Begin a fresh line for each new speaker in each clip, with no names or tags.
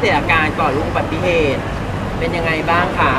สียอาการก่อนลูกอุบัติเหตุเป็นยังไงบ้างคะ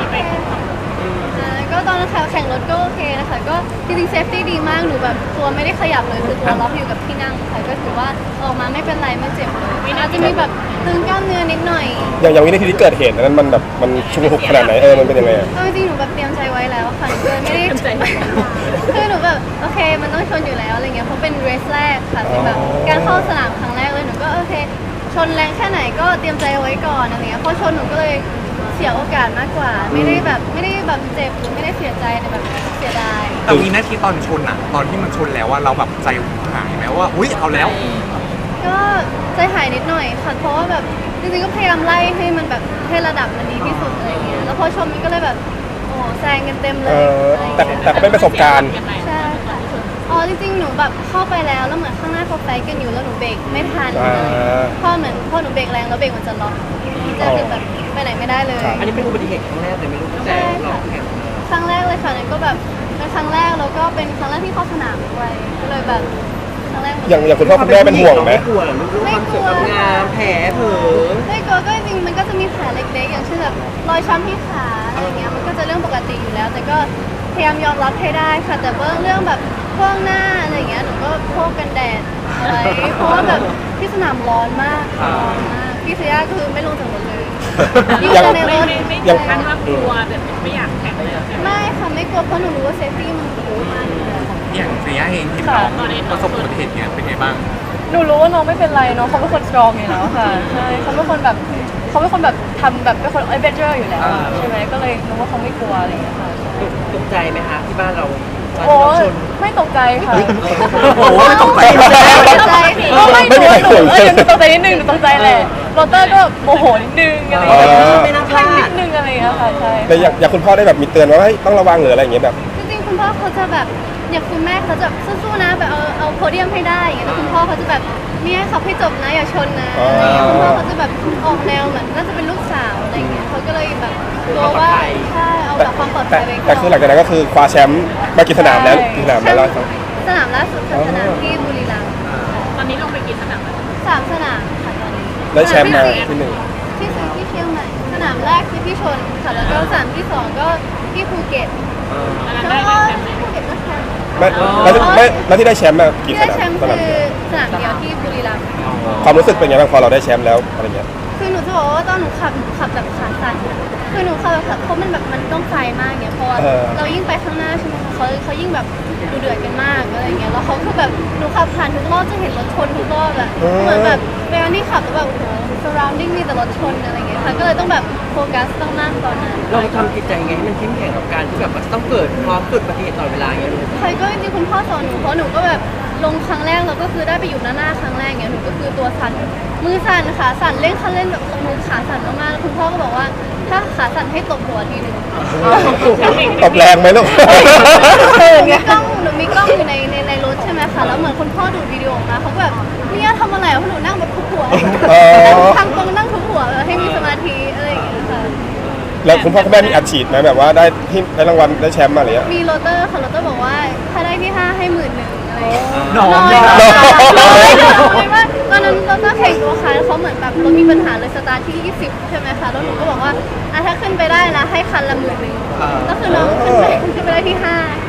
ก็ตอนนั้นแข่งรถก็โอเคนะคะก็จริงๆเซฟตี้ดีมากหนูแบบตัวไม่ได้ขยับเลยคือตัวล็อกอยู่กับที่นั่งค่ะก็ถือว่าออกมาไม่เป็นไรไม่เจ็บเลยอาจจะมีแบบตึงกล้ามเนื้อนิดหน่อย
อย่างวินาทีที่เกิดเหตุนั้นมันแบบมันชุกหุกขนาดไหนมันเป็นยังไง
จริงๆหนูแบบเตรียมใจไว้แล้วค่ะหนูเลยไม่ได้คือหนูแบบโอเคมันต้องชนอยู่แล้วอะไรเงี้ยเพราะเป็นเรสแรกค่ะเป็นแบบการเข้าสนามครั้งแรกเลยหนูก็โอเคชนแรงแค่ไหนก็เตรียมใจไว้ก่อนอะไรเงี้ยพอชนหนูก็เลยเสียโอกาสมากกว่าไม่ได้แบบเจ็บหรือไม่ได้เสียใจแต่แบบเสียดาย
แต่วินาทีตอนชนอะตอนที่มันชนแล้วว่าเราแบบใจหายไหมว่าอุ๊ยเอาแล้ว
ก็ใจหายนิดหน่อยค่ะเพราะว่าแบบจริงๆก็พยายามไล่ให้มันแบบให้ระดับมันดีที่สุดอะไรเงี้ยแล้วพอชนมันก็เลยแบบโอ้แซงกันเต็มเลย
แต่ก็เป็นประสบการณ์
ใช่ค่ะอ๋อจริงๆหนูแบบเข้าไปแล้วเหมือนข้างหน้าเขาไฟกันอยู่แล้วหนูเบรกไม่ทันพอหนูเบรกแรงแล้วเบรกมันจะล็อกจะคือแบบไปไหนไม่ได้เลย
อันนี้เป็นอุบัติเหตุครั้งแรกแต่ไม่รู้ตั้งแต่เราแข่ง
ครั้งแรกเลยค่ะนั่นก็แบบเป็นครั้งแรกแล้วก็เป็นครั้งแรกที่เข้าสนามด้วยก็เลยแบบครั้งแรก
อย่างคุณพ่อคุณแม่เป็นห่วงไหม
ไม่กลัวหรอลูกความสวยความงามแผลเผลอ
ไม่กลัวก็จริงมันก็จะมีแผลเล็กๆอย่างเช่นแบบรอยช้ำที่ขาอะไรเงี้ยมันก็จะเรื่องปกติอยู่แล้วแต่ก็พยายามยอมรับให้ได้ค่ะแต่เรื่องแบบพวกหน้าอะไรเงี้ยหนูก็พวกกันแดดอะไรเพราะว่าแบบที่สนามร้อนมากพี่เซียคือไม่ลงจากรถเลยยิ่งในรถ
ยังขั้นว่ากลัวแบบไม่อยากแข่งเลย
ไม่ค่ะไม่กลัวเพราะหนูรู้ว่าเซฟตี้มันสูงมาก
อย่างเสียเองที่น้องประสบอุบัติเหตุเนี้ยเป็นไงบ้าง
หนูรู้ว่าน้องไม่เป็นไรน้องเขาเป็นคนสตรองอยู่แล้วค่ะใช่เขาเป็นคนแบบทำแบบเป็นคนเอเวนเจอร์อยู่แล้วใช่ไหมก็เลยรู้ว่าเขาไม่กลัวอะไรอย่างเงี้ยค่ะ
ตกใจไหมคะที่บ้านเรา
โอ้ไม่ตกใจค่ะ
โอ้ไม่ตกใจ
ไม่หนูตกใจนิดนึงหนูตกใจแหละโรเตอร์ก็โมโหนิดนึงอะไรอย่างเงี้ย
ไม่น่าพลาด
นิดนึงอะไรอย่างเงี้ยค่ะใช่
แต่อย่างคุณพ่อได้แบบมีเตือนว่าต้องระวังหรืออะไรอย่างเงี้ยแบบ
จริงๆคุณพ่อเขาจะแบบอย่างคุณแม่เขาจะสู้ๆนะแบบเอาโพเดียมให้ได้อย่างเงี้ยแล้วคุณพ่อเขาจะแบบเนี่ยขับให้จบนะอย่าชนนะคุณพ่อเขาจะแบบออกแนวเหมือนน่าจะเป็นลูกสาวอะไรเงี้ยเขาก็เลยแบบกลัวว่าใช่เอาแบบความปลอดภัยไว้ก่อน
แต่คือหลังจากนั้นก็คือคว้าแชมป์มากี่สนามแล้วกี่สนามแล้ว
สนามล่าสุดคือสนามที่บุรีรัมย์
ตอนนี้ลงไปกี่สนาม
3 สนามค่ะตอนนี้
ได้แชมป์มาที่1
ที่เชียงใหม่สนามแรกคือที่ชนค่ะแล้วก็สนามที่2ก็ที่ภูเก็ตแล้วก็ภูเก็ตก็แชมป์
แล้วที่ได้แชมป์มากี่สนาม
ได้แชมป์คือสนามเดียวที่บุรีรัมย์
ความรู้สึกเป็นไงบ้างพอเราได้แชมป์แล้วอะไรเงี้ย
คือหนูจะบอกว่าตอนหนูขับแบบขาสั่นคือหนูขับแบบเพราะมันแบบมันต้องไฟมากเนี่ยเพราะเรายิ่งไปข้างหน้าใช่ไหมคะเขายิ่งแบบดูเดือดกันมากอะไรเงี้ยแล้วเขาคือแบบหนูขับผ่านทุกรอบจะเห็นรถชนทุกรอบอะเหมือนแบบเวลาที่ขับแล้วแบบโอ้โห surrounding มีแต่รถชนอะไรเงี้ยค่ะก็เลยต้องแบบโฟกัสต้องมากตอนนั้น
เราทำจิตใจไงให้มันเข้มแข็งกับการที่แบบมันต้องเกิดความเกิดอุบัติเหตุตลอดเวลาอย่างเงี้ย
ใช่ก็จริงๆคุณพ่อสอนหนูเพราะหนูก็แบบลงครั้งแรกแล้วก็คือได้ไปอยู่หน้าครั้งแรกเงี้ยหนูก็คือตัวสั่นมือสั่นขาสั่นเล่นคันเล่นแบบมือขาสั่นมากๆแล้วคุณพ่อก็บอกว่าถ้าขาสั่นให้ตบหัวทีนึง
ตบแรงไหมลูก
หนูมีกล้องอยู่ในรถใช่ไหมคะแล้วเหมือนคุณพ่อดูวิดีโอมาเขาแบบเนี่ยทำอะไรเพราะหนูนั่งแบบทุบหัวทำตรงนั่งทุบหัวให้มีสมาธิอะไรอย่างเงี้ยค่ะ
แล้วคุณพ่อคุณแม่มีอัดฉีดไหมแบบว่าได้รางวัลได้แชมป์มาอะไรเงี้ย
มีโรเตอร์ค่ะโรเตอร์บอกว่าถ้าได้ที่5ให้11,000อะไร
น้อย
ว่าตอนนั้นโรเตอร์แข่งตัวคันเขาเหมือนแบบเรามีปัญหาเลยสตาร์ทที่20ใช่ไหมคะแล้วหนูก็บอกว่าถ้าขึ้นไปได้นะให้คันละ10,000ก็คือน้องขึ้นไปได้ที่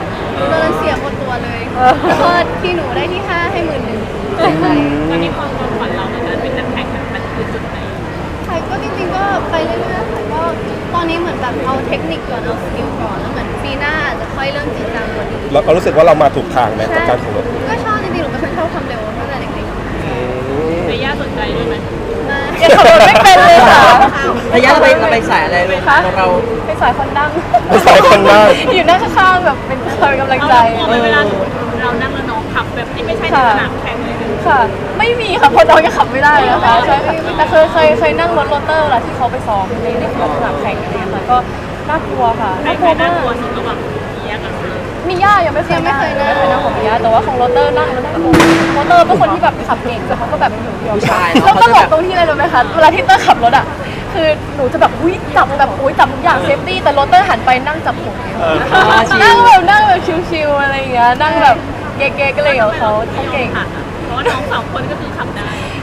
5โดนเสียหมดตัวเลยแล้วก็ที่หนูได้ที่5ให้11,000
ตอนนี้ความฝันเราในการเป็นนักแข่งมันคือจุดไหน
ใช่ก็จริงๆก็ไปเรื่อยๆค่ะก็ตอนนี้เหมือนแบบเอาเทคนิคก่อนเอาสกิลก่อนแล้วเหมือนปีหน้าอาจจะค่อยเริ่มจริงจังกว่านี้
เรารู้สึกว่าเรามาถูกทางไหมกับการแข่งรถ
ก็ชอบจริงๆหนูเป็นคนชอบความเร็วตั้งแต่เด็ก
ๆในย่าสนใจด้วยไหม
ยังขับรถไม่เป็นเลยค่ะ
ระยะเราไปสายอะไรเลยคะเรา
ไปสายคนนั่ง
อยู่
นั่งข้างๆแบบเป็นคอยกำลังใจ
เวลาเรานั่งแล้วน้องขับแบบที่ไม่ใช่ในสนามแข่งเลย
ค่ะไม่มีค่ะเพราะน้องยังขับไม่ได้นะคะใช่แต่เคยนั่งรถโรเตอร์แหละที่เขาไปซ้อมในสนามแข่งอะไรอย่างเงี้ยก็น่ากลัวค่ะ
น่ากลัวมากสุดระหว่าง
มีย่ายังไม่เคยนั่งของมีย่าแต่ว่าของโรเตอร์นั่งแล้วนั่งโรเตอร์เป็นคนที่แบบขับเก่งแต่เขาก็แบบเดียวแล้วก็บอกตรงที่อะไรรู้ไหมคะเวลาที่เตอร์ขับรถอ่ะคือหนูจะแบบจับทุกอย่างเซฟตี้แต่โรเตอร์หันไปนั่งจับผมนั่งแบบชิวๆอะไรอย่างเงี้ยนั่งแบบเก๊ๆก็เลยเขาเก่ง
เพราะว่าน้อง2 คนก็คือขับได้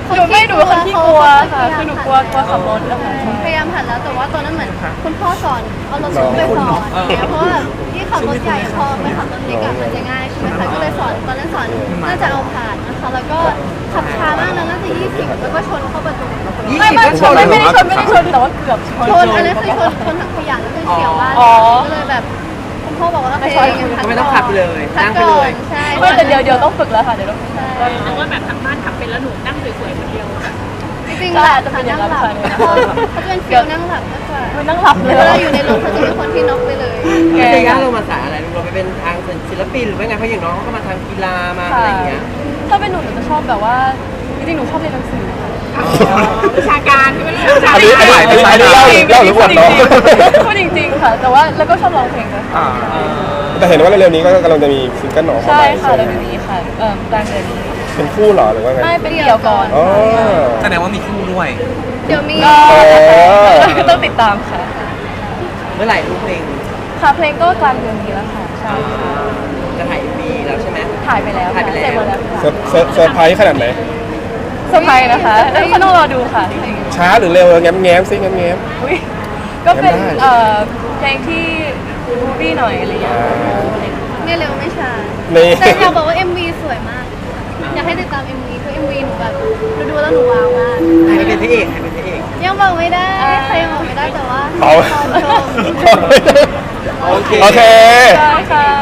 หนูเป็นคนที่กลัวค่ะคือหนูกลัวขับรถนะคะ
พยายามหัดแล้วแต่ว่าตอนนั้นเหมือนคุณพ่อสอนเอารถไปสอนเนี่ยเพราะว่าที่ขับรถใหญ่พอไปขับรถเล็กอะมันจะง่ายใช่ไหมคะก็เลยสอนตอนนั้นสอนน่าจะเอาผ่านนะคะแล้วก็ขับช้ามากนะน่าจะ20แล้วก็ชนเข้าประตู
ไม่ได้ชนแต่ว่าเกือบชน
ชนอันนั้นคือชนถังขยะแล้วคือเฉียวบ้านก็เลยแบบคุณพ่อบอกว่าโอเคงั้นพัก
ไม่ต้องขับเลย
พัก
นั่งไป
ก่
เล
อน
ย
ใช่
ไม่แต่เดี๋ยวต้องฝึกแล้วค่ะเดี๋ยวต้องฝึก
แต่ว่าแบบทางบ้านขับเป็นแล้วหนูนั่งสวยๆคนเดียว
จริงๆหลับค่ะนั่งหลับเขาจะเป็นฟิลนั่งหลับมากกว่า
ไม่นั่งหลับเลย
เวลาอยู่ในรถเขาจะเป็นคนที่น็อกไปเลย
ไม่ใช่ย่าเรามาสายอะไรเราไปเป็นทางศิลปินหรือว่าไงเพราะอย่างน้องเขาก็มาทางกีฬามาอะไรอย่างเงี้ย
ถ้าเป็นหนูจะชอบแบบว่าจริงๆหนูชอบเรียนหนังสือค่ะ
วิชาการที่ไม่ได้วิชา
อันนี้
การ
เล่าหรืออวดน้อง
พูดจริงๆค่ะ แต่ว่าแล้วก็ชอบร้องเพลงด้วย
อ่า
แต่เห็นว่าเร็วๆนี้ก็กำลังจะมีซิงเกิลหนอเข้า
ใช่
มา
ค่ะ
ใช่ไหม
แล้วเดี๋ยวนี้ค่ะกลางเดือนนี้
เป็นคู่เหรอหรือว่าไง
ไม่เป็นเดี่ยวก่อน
อ๋อ
แสดงว่ามีคู่ด้วย
เดี๋ยวมี
ก็ต้องติดตามค่ะ
เมื่อไหร่ลูกเพลง
ค่ะเพลงก็กลางเดือนนี้แล้วค่ะใช่
จะถ่ายมีแล้วใช่ไหม
ถ่ายไปแล้วค่ะเสร็จหมดแล้วค่ะ
เซอร์ไพรส์ขนาดไหน
เซอร์ไพรส์นะคะแล้วก็ต้องรอดูค่ะ
ช้าหรือเร็วแง้มๆซิแง้ม
อุ๊ยก็เป็น
ได้
เพลงที่บูบี้หน่อยอะไรอย่างเงี้ย
ไม่เร็วไม่ช้า
ๆนี่
แต่อยากบอกว่า MV สวยมาก อยากให้ติดตาม MV เพราะ MV หนูแบบดูแล้วหนูว้าวมาก
ใครเป็นพระเอกใครเป็นพระเอก
ยังบอกไม่ได้ใครยังบอกไม่ได้แต่ว่า
เอา
รอชม
โอเค
โอเค
ใช่ค่ะ